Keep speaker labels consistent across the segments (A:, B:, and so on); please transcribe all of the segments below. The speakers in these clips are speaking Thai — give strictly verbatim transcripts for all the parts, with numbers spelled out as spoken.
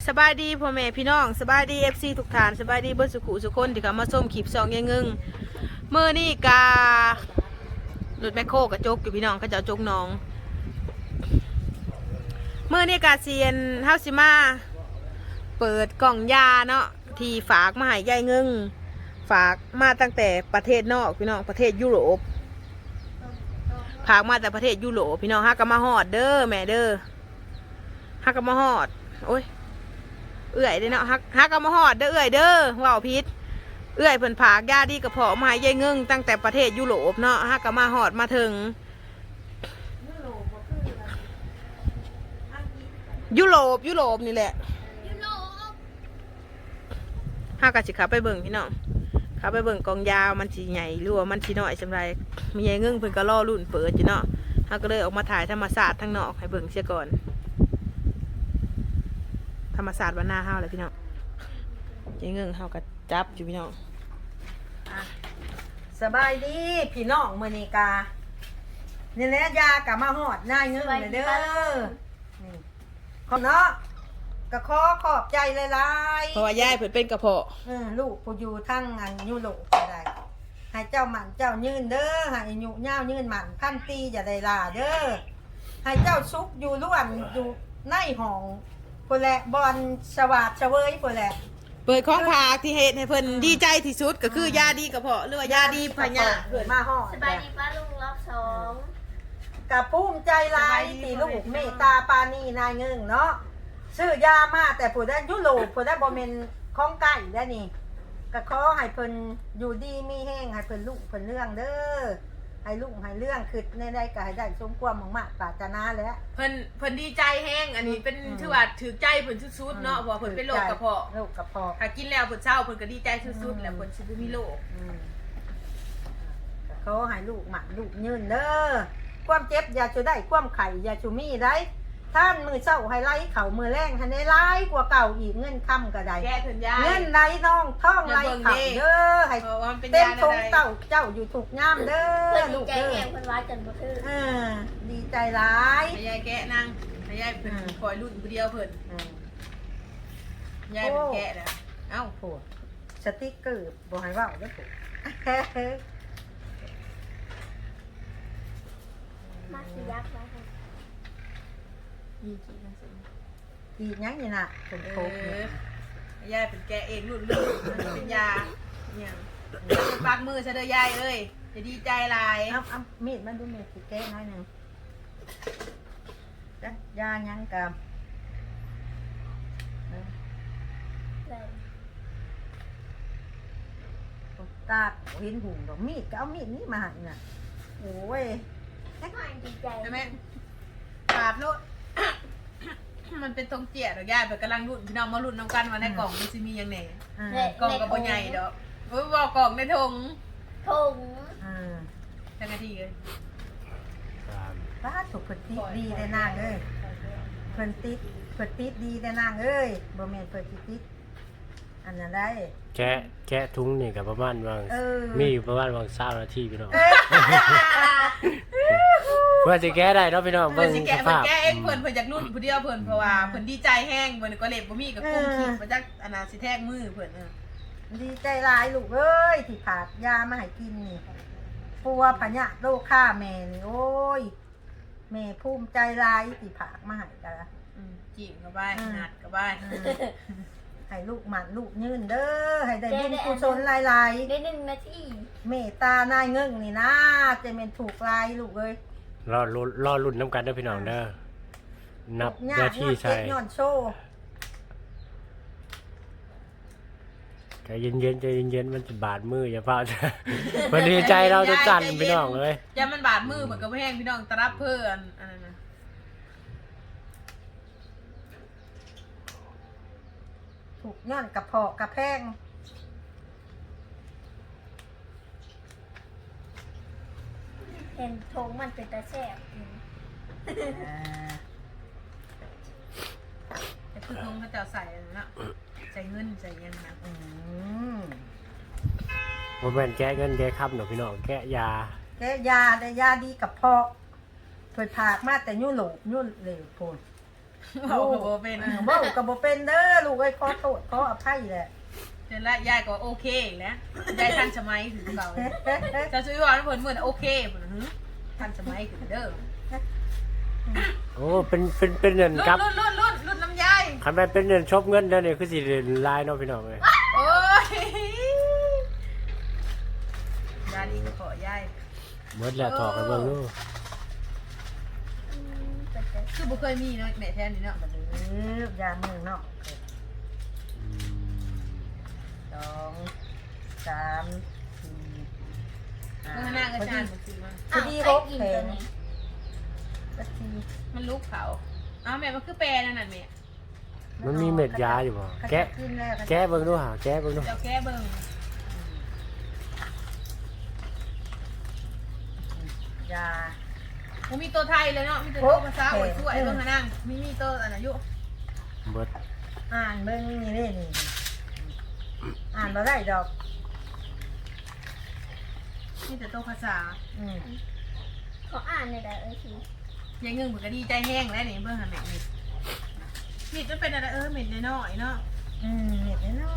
A: สบายดีพ่อแม่พี่น้องสบายดีเอฟซีทุกท่านสบายดีเบิร์สุขุสุคนที่เขามาส้มขีบซองยังงึงเมื่อนี่การถแมคโครกระจกอยู่พี่น้องเขาจะจกน้องเมื่อนี่กาเซียนเฮาซิมาเปิดกล่องยาเนาะที่ฝากมาให้ยายงึงฝากมาตั้งแต่ประเทศนอกพี่น้องประเทศยุโรปฝากมาแต่ประเทศยุโรปพี่น้องฮักก็มาฮอดเด้อแม่เด้อฮักก็มาฮอดโอ้ยเอื่อยเด้เนาะฮักฮักก็มาฮอดเด้อเอื่อยเด้อว่าวพิษเอื่อยเพิ่นผากยาดีกระเพาะมาให้ยายเงิงตั้งแต่ประเทศยุโรปเนาะฮักก็มาฮอดมาถึงยุโรปยุโรปนี่แหละฮักก็สิขับไปเบิ่งพี่น้องขับไปเบิ่งกองยาวมันสิใหญ่หรือว่ามันสิน้อยสำไรมียายเงิงเพิ่นก็รอรุ่นเปิดอยู่เนาะฮักก็เลยออกมาถ่ายธรรมศาสตร์ทั้งนอกให้เบิ่งเสียก่อนธรรมศาสตร์วันหน้าเฮาเลยพี่น้องยายเงิงเฮาก็จับอยู่พี่น้อง
B: สบายดีพี่น้องมื้อนี้กานี่แหละยากะมาฮอดนายเงิงเลยเด้อนี่ขอบเนาะก็ขอขอบใจหลายๆ
A: เพราะว่ายายเพิ่นเป็นกระเพาะ
B: เออลูกผู้อยู่ทั้งอันยุโรปก็ได้ให้เจ้าหมันเจ้ายืนเด้อให้อายุยาวยืนหมันพันปีอย่าได้ลาเด้อให้เจ้าสุขอยู่ล้วนอยู่ในห้องพุ่นแหละบอนสวัสดิ์เฉวยพุ่นแหละ
A: เปิดของผากที่เฮ็ดให้เพิ่นดีใจที่สุดก็คือยาดีกระเพาะหรือว่ายาดีพญา
B: เกิดมาฮอด
C: สบายดีป้าลุงรอบสอง
B: กับภูมิใจหลายที่ลูกเมตตาปานีนายเงิงเนาะซื้อยามาแต่ผู้ได้ยุโรปผู้ได้บ่แม่นของไก่ได้นี่ก็ขอให้เพิ่นอยู่ดีมีแห้งให้เพิ่นลูกเพิ่นเรื่องเด้อให้ลูกให้เรื่องคือในได้ก็ให้ได้สมความมุ่งมั่นปรารถนาแล้ว
A: เพิ่นเพิ่นดีใจแห้งอันนี้เป็นถือว่าถือใจเพิ่นสุดๆเนาะเพราะว่าเพิ่นเป็นโรคกระเพาะ
B: โรคกระเพาะ
A: ถ้ากินแล้วเพิ่นเศร้าเพิ่นก็ดีใจสุดๆแล้วเพิ่นสิบ่มีโรค
B: เขาให้ลูกหมันลูกยืนเด้อความเจ็บอย่าชูได้ความไข่อย่าชูมีได้ท่านมือเศร้าให้ไล่เข่ามือแรงให้ได้ไล่กว่าเก่าอีกเงินคำก็ได้
A: แก้เพิ่นยาย
B: เงินไล่น้องท่องไล่เข่าเด้อให้
A: เพราะว่ามันเป็น
B: เต็ม
A: ยา
B: ทง
A: ใด
B: เต่าเจ้าอยู่ถูกย่ามเด้
C: เพื่
B: อ
C: อน
B: ลู
C: ดี
B: ก
C: ใจ
B: เด้อ
C: แห้งคนร้ายกันบ่คือ
B: เออดีใจร้าย
A: ให้ยายแกะนั่งให้ยายเพิ่นคอยรุ่นผู้เดียวเพิ่น
B: อืม
A: ยายเป็นแกะนะเอ้า
B: โหสติ๊กเกอร์บอกให้ว่าเด้อผม
C: มาสิยักษ์มาค่ะ
A: ยี่กี่กันสิ
B: อีกยังนี่น่ะเป็น
A: เอ
B: โคกเนี่ย
A: อยายเป็นแกะเองรุ่นรุ่นมันเป็นยาเนี่ยปากมือซะเด้อยายเอ้ยจะดีใจหลาย
B: เอาเอามีดมาดูเมดสิแก้น้อยหนึ่งจ้ะยายังกับเออ
C: เลย
B: ตาเห็นหุ่งดอกมีดก็เอามีดนี้มาให้น่ะโอ้ย
C: ไม่ดีใจ
A: ใช่ไหมปาดโลด มันเป็นทรงเจียดอกยายเปิดกำลังรุ่นพี่น้องมารุ่นน้ำกันว่าในกล่องมันจะมียังไง
B: อ่า
C: เละ
A: กล่องกับบ่ใหญ่ดอกเว้ยบอกกล่องในทง
C: ทง
B: อ่า
A: ทั้งนาทีเลย
B: ป้าถูกเพิ่นติดดีได้นางเอ้ยเพิ่นติดเพิ่นติดดีได้นางเอ้ยบ่แม่นเพิ่นสิติดอันนั้นได้
D: แกะแกะทุงนี่กับประมาณวาง
B: เออ
D: มีอยู่ประมาณวางเศร้านาทีพี่น้อง
B: เอ้ย
D: เพื่อจะแก้ได้เนาะพี่น้อง
A: เพิ่
D: เบิ่
A: น
D: ง
A: สิ
D: ส
A: แกะเพิ่
D: ภาน พ
A: แกะเองเพิ่นเพิ่นอยากรุ่นผู้เดียวเพิ่นเพราะว่าเพิ่นดีใจแห้งเพิ่นก็เล็บบ่มีกับกุ้งขีดมาจากอนาสิแทกมือเพิ่นเออ
B: ดีใจหลายลูกเอ้ยที่ผาดยามาให้กินนี่ปัวพญะโรคฆ่าแม่นี่โอ้ยแม่ภูมิใจหลายที่ผากมาให้กันละ
A: อืมจีบเข้าไปหัดเข้าไป
B: ให้ลูกหมันลูกยืนเด้อให้ได้บุญกุศลหลาย
C: ได้หนึ่งนาที
B: ๆเมตตานายเงิ่งนี่นะจะเป็นถูกลายลูกเอ้ย
D: รอลุ้นรอรุ่นน้ำกันเด้อพี่น้องเด้อนับ
B: ยา
D: หน้าก ที่
B: ย้อน
D: ใส่
B: เจ็บย้อนโชว์
D: ใจเย็นๆใจเย็นๆมันจะบาดมืออย่าเฝ้าจ้ะ มันดีใจเราจะสั่นพี่น้องเลย
A: อย่ามันบาดมือเหมือนกับแห้งพี่น้องตะรับเพิ่นอันนั้นนะ
B: ถูกย้อนกระเพาะกระแพง
C: เห็นทงมันเป็นตาแซ่บ
A: แต่คือทงเขาจะใส่อันนั้นนะใส่เงินใส่เงินนะ
B: อืม
D: บ่แม่นแก้เงินแก้คำเนาะพี่น้องแก้ยา
B: แกยาได้ยาดีกระเพาะเพิ่นผากมาแต่ยุ่นโหลบยุ่นเหลวโพน
A: เว้าก็บ่เป็น
B: ออเว้าก็บ่เป็นเด้อลูกเอ้ยขอโทษขออภัยแหละ
A: เดี๋ยวละยายก็โอเคอีกแล้วยายทันสมัยคือเก่าจะซื้อว่าเพิ่นเหมือนโอเคเพิ่นหึทันสมัยคือเด้อ
D: โอ้เป็นเป็นเป็นเงิน
A: รุ่น
D: ครับ
A: รุ่นรุ่นรุ่นรุ่นน้ำยาย
D: คันแม่นเป็นเงินชบเงินแล้วนี่คือสิลายเนาะพี่น้องเอ้ย
A: โอ้ยยาดีก็ขอยาย
D: หมดแล้วถอกกันเบิ่งดู
C: อืมเป็นตา
A: คือบ่เคยมีเนาะแม่แท้นี่เนาะ
B: บัดนี้ยามมือเนาะ
D: อืม
B: สองสามสี่ห้า
A: เมื่อหน้าก็ชานมันคือมัน
B: พอดี
C: อ้าว
B: หก
C: ไอ้กิน
B: แผ
C: ตัว
B: ง
C: นี้
B: สักที
A: มันลุกเขาอ้าวแม่มันคือแปรนั่นน่ะแม่
D: มันมีเม็ดยาอยู่บ่แกะ
B: กินแล้ว
D: แกะเบิ่งดูหาแกะเบิ่งดู
A: เจ้าแก้เบิ่ง
B: ยา
A: บ่มีตัวไทยเลยเนาะมีแต่ตัวภาษาอวยช่วยเบิ่งหานั่งมีมีตัวอันน่ะอยู่
D: เบิด
B: อ่านเบิ่งนี่เด้นี่อ่านบ่ได้ดอก
A: มีแต่ตัวภาษา
B: อืม
C: ขออ่านหน่อยได้เอ้ยที
A: ยายเงิงเพิ่นก็ดีใจแห้งแล้วนี่เบิ่งหาแม่นี่มีดมันเป็นอะไรเออเม็ดน้อยๆเนาะ
B: อืมเม็ดน้อย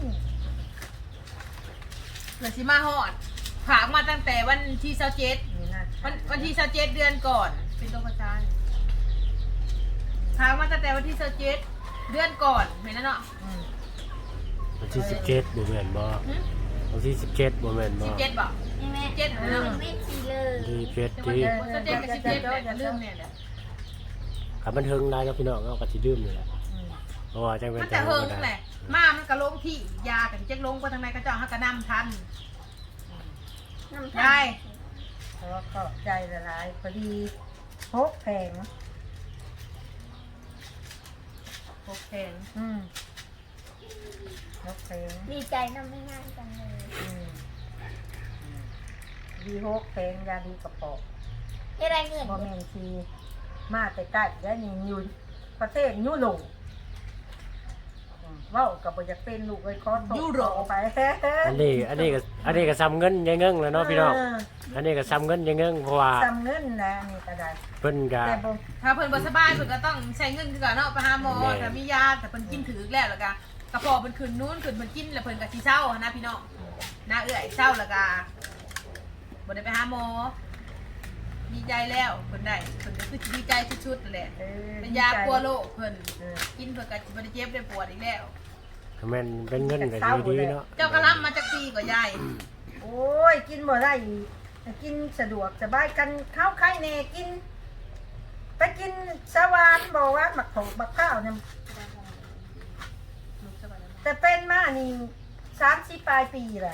A: เกิดสิมาฮอดผากมาตั้งแต่วันที่เจ็ด
B: ๆนี่นะ
A: วันวันที่เจ็ดเดือนก่อน เป็นตัวประจานผากมาตั้งแต่วันที่เจ็ดเดือนก่อนเห็นแล้วเนาะ
B: อืม
D: วันที่สิบเจ็ดบ่แม่นบ่วันที่สิบเจ็ดบ่แม่นบ่
A: สิบเจ็ดบอก
C: นี่แม่
A: เจ็ดเหรอ
C: ไม่ทีเลย
D: ที่เจ็ด
A: แต่วัน
D: ที่
A: ที่เจ็ดกับสิบเจ็ดเนี่ยลืมเนี่ยแหละ
D: คันมันเฮิงได้แล้วพี่น้องเอาก็สิดื่มนี่แหละ
B: อืม
D: เพราะว่าจังเป็น
A: มันจะเฮิงแหละมามันก็ลงที่ยากันเจ๊กลงไปทางไหนก็เจ้าหักกระนำทัน
C: น้ำ
A: ได้
B: เพราะว่าขอบใจละลายพอดีหกแผง
A: โอเค
B: อืมหกแผง
C: ดีใจน้ำไม่ง่ายจังเลย
B: อืมอืมดีหกแผงยาดีกระเป๋อ
C: เฮ็ดได้เงิน
B: บ่แม่นทีมาแต่ใกล้ได้นี่อยู่ประเทศยุโรปอืมเว้าก็บ่อยากเป็นลูกเอ้ยขอโทษขอไป
D: อันนี้อันนี้ก็อันนี้ก็ซ้ำเงินยายเงิงแล้วเนาะพี่น้อง
B: เออ
D: อันนี้ก็ซ้ำเงินยายเงิงเพราะว่า
B: จำเงินนะนี่ก็ได้
D: เพิ่นก็
B: แต่บ่
A: ถ้าเพิ่นบ่สบายเพิ่นก็ต้องใช้เงินคือกันเนาะไปหาหมอ
D: แม่
A: ถ้ามียาแต่เพิ่นกินถือแล้วแล้วก็กระเพาะเพิ่นขึ้นนู้นขึ้นเพิ่นกินแล้วเพิ่นก็สิเศร้าหั้นนะพี่น้องน้าเอื้อยเศร้าแล้วก็บ่ได้ไปหาหมอดีใจแล้วเพิ่นได้เพิ่นก็คือสิดีใจชุดๆนั่นแหละ
B: เออ
A: เป็นยากลัวโรคเพิ่น
B: เออ
A: กินเพิ่นก็สิบ่ได้เจ็บได้ปวดอีกแล้ว
D: ถ้าแม่นเป็นเงินก็ดีดีเนาะ
A: เจ้ากระลำมาจากปีกว่ายาย
B: โอ้ยกินบ่ได้อีกกินสะดวกสบายกันข้าวไข่แน่กิน ไปกินสวานบอกว่าหมักถกบักข้าวเนี่ยแต่เป็นมานี่สามสิบปลายปีแหละ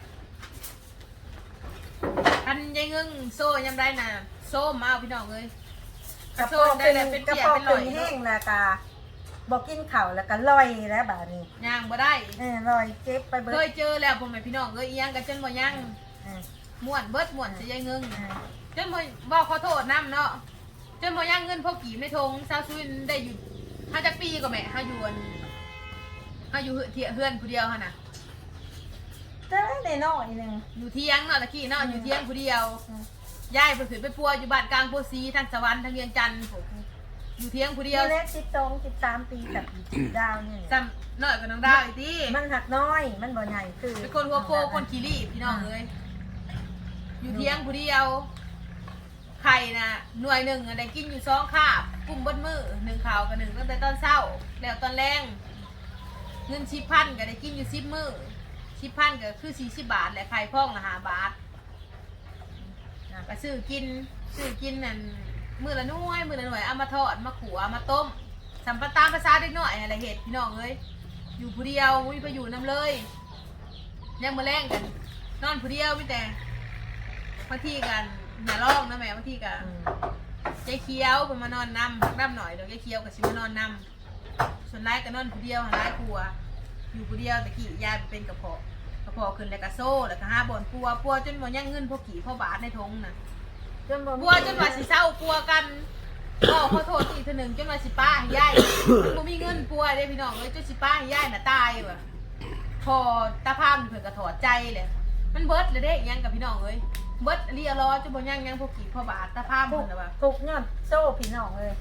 A: อันยายเงึ้งโซ่ยำได้น่ะโซ่มาเอาพี่น้องเอ้ย
B: กระ
A: โซ่
B: เพาะ
A: ได้
B: เป็น
A: แล้วเป็น
B: กระ
A: เปียก
B: เพาะ
A: เป็นล
B: เป็
A: อน ย
B: แห้งแล้วกาบอกกินข้าวแล้วก็ลอยแล้วบาดนี้
A: ย่างบ่ได้
B: เออลอยเจ็บไปเบิ
A: เค
B: ด
A: ยเจอแล้วพ่อแม่พี่น้องเอ้ยอีหยังกันจนบ่ยัง
B: เออ
A: ม่วนเบิดม่วนสิยายเงึ้ง
B: เออ
A: จนบ่บ่ขอโทษนำเนาะจนบ่ยังเงินพอกีบในทงซาวซุนได้อยู่ห้าจักปีก็แม่ห้าอยู่อันห้าอยู่เที่ยเฮือนผู้เดียวหั่นน่ะ
B: แต่ในน้อยหนึง
A: อยู่เที่ยงเนาะตะกี้เนาะอยู่เที่ยงผู้เดียว
B: อืม
A: ยายเพิ่นขึ้นไปปัวอยู่บ้านกลางโพสีทางสวรรค์ทางเวียงจันทน์ผมอยู่เที่ยงผู้เดียว
B: นี่เล็กสิบสองสิบสามปีกับดาวนี่
A: ซ้ำน้อยกว่าน้องดาวอีกที
B: มันหักน้อยมันบ่ใหญ่คือ
A: เป็นคนหัวโปคนขี้รีบพี่น้องเอ้ยอยู่เที่ยงผู้เดียวไข่น่ะหน่วยหนึ่งอะได้กินอยู่สองคาบกุ้มเบดมือหนึ่งข่าวกับหนึ่งตั้งแต่ตอนเช้าแล้วตอนแรงเงินสิบพันก็ได้กินอยู่สิบมือสิบพันก็คือสี่สิบบาทแหละไข่พ่องละห้าบาทก็ซื้อกินซื้อกินนั่นมือละหน่วยมือละหน่วยเอามาทอดมาขัวมาต้มสัมปตามภาษาเด็กน้อยอะไรเห็ดพี่น้องเอ้ยอยู่ผู้เดียวมุ้ยไปอยู่น้ำเลยยังมาแรงกัน นอนผู้เดียวมีแต่บางทีกันอย่าร้องนะแม่บางทีกัน
B: อืม
A: ใจเคี้ยวผมมานอนนำพักน้ำหน่อยเดี๋ยวใจเคี้ยวกับชิมานอนนำส่วนไล่ก็นอนผู้เดียวหาไล่ครัว อยู่ผู้เดียวแต่กี่ยายเป็นกระเพาะกระเพาะขึ้นแล้วก็โซ่แล้วก็ห้าบอนปัวปัวจนหมดยังเงินพวกกี่พ่อบาทในทงน่ะ
B: จนบ่มี
A: ปัวจนว่าสิเศร้าปัวกันก็ขอโทษอีกทีหนึ่งจนว่าสิป้าให้ยายมันบ่มีเงินปัวได้พี่น้องเลยจนสิป้าให้ยายน่ะตายว่ะพอตาพามเพิ่นก็ถอดใจเลยมันเบิดเลยเด้อิหยังกับพี่น้องเอ้ยเบิดเรียรอจนบ่ยังยังพวกกี่พ่อบาทตาพาม
B: ทุ
A: เพิ่
B: ก
A: นน่ะว่า
B: ทุกยอดโซ่พี่น้องเลย
A: ต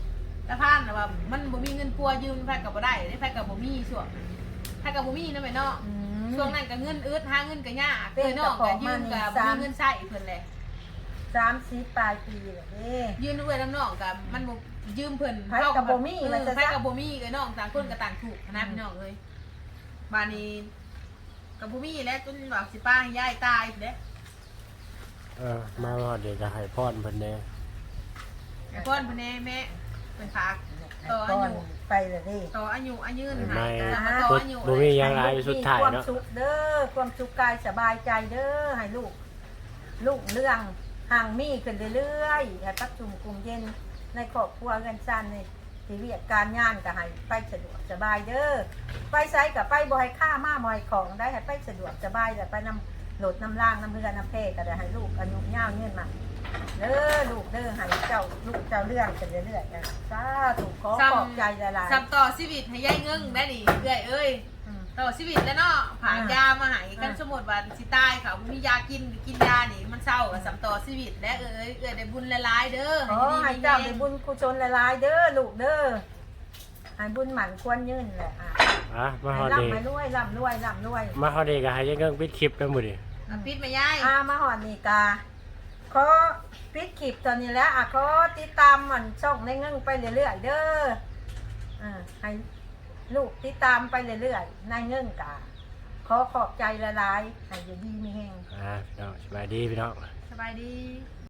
A: ตะพานน่ะว่ามันบ่มีเงินปัวยืมไผก็บ่ได้ไผก็บ่มีช่วงไผก็บ่มีนำแม่เนาะ
B: อืม
A: ช่วงนั้นก็เงินอึดหาเงินก็ยาก
B: เป็น
A: เอ้ยน้องก็ยืมก็
B: กระ
A: บ่
B: เป๋ามานี่
A: มีเงินใช้เพิ่นแหละ
B: สามสิบปลายปีแล้วเด้
A: ยืมด้วยน้ำน้องก็มันบ่ยืมเพิ่น
B: ไผก็บ่มี
A: เอ
B: ว่า
A: อ
B: จะซะ
A: ไผก็บ่มีเอ้ยน้องต่างคนก็ต่างถูกนะพี่น้องเอ้ยบาดนี้ก็บ่มีแล้วจนว่าสิป้าให้ยายตายพุ่นเด้
D: เออมาว่าเดี๋ยวจะให้พรเพิ่นแน่
A: ไอ้พ่อนเพิ่นแน่แม่เพิ่นฝากต่ออา
B: ก่อน
A: ยุ
B: ไปเลยเด้
A: ต่ออายุอายืน
D: ไม่
A: ให้แล้วก็ต่อ
D: บ่
A: อายุ
D: บ่มีหยังหลายสุดท้าย
B: ความ
D: เนาะ
B: สุขเด้อความสุขกายสบายใจเด้อให้ลูก ลูกเรื่องห่างมีขึ้นเรื่อยๆให้ปักจุ่มกลุ่มเย็นในครอบครัวเงินซันในชีวิตการงานก็ให้ไปสะดวกสบายเด้อไปไสกับไปบ่ให้ค่ามาบ่ให้ของได้ให้ไปสะดวกสบายแต่ไปนำโหลดน้ำล่างน้ำเรือน้ำเพก็ได้ให้ลูกอายุยาวเงินมาเด้อลูกเด้อให้เจ้าลูกเจ้าเรื่องกันเรื่อยๆนะสาธุขอขอบใจหลาย
A: ซับต่อชีวิตให้ยายเงิงได้ดิเอ้ยเอ้ย
B: ๆอืม
A: ต่อชีวิตแล้วเนาะผ่าน
B: อ่าย
A: ยามาให้กัน
B: อ่า
A: สมมุติว่าสิตายเขาบ่มียากินกินยานี่มันเศร้าก็ซับต่อชีวิตและเอ้ยเอ้ยได้บุญหลายๆเด้อ
B: ขอให้เจ้าได้บุญกุศลหลายๆเด้อลูกเด้อให้บุญหมั่นควรยืนแหละอ่ะ
D: อ่ะมาฮอ
B: ให้
D: ดนี่
B: ร่ำให้รวยร่ำรวยร่ำรวย
D: มาฮอดนี่ก็ให้ยังเงิงปิดคลิปแล้วมื้อนี้
A: อ่ะปิดแม่ยาย
B: อามาหอนนี่กาขอปิดคลิปตอนนี้แล้วอ่ะขอติดตามมันช่องในเงิ่งไปเรื่อยๆเด้ออ่าให้ลูกติดตามไปเรื่อยๆในเงิ่งกาขอขอบใจละลายๆให้อยู่ดีมีแห้ง
D: อ่าพี่น้องสบายดีพี่น้อง
A: สบายดี
B: ส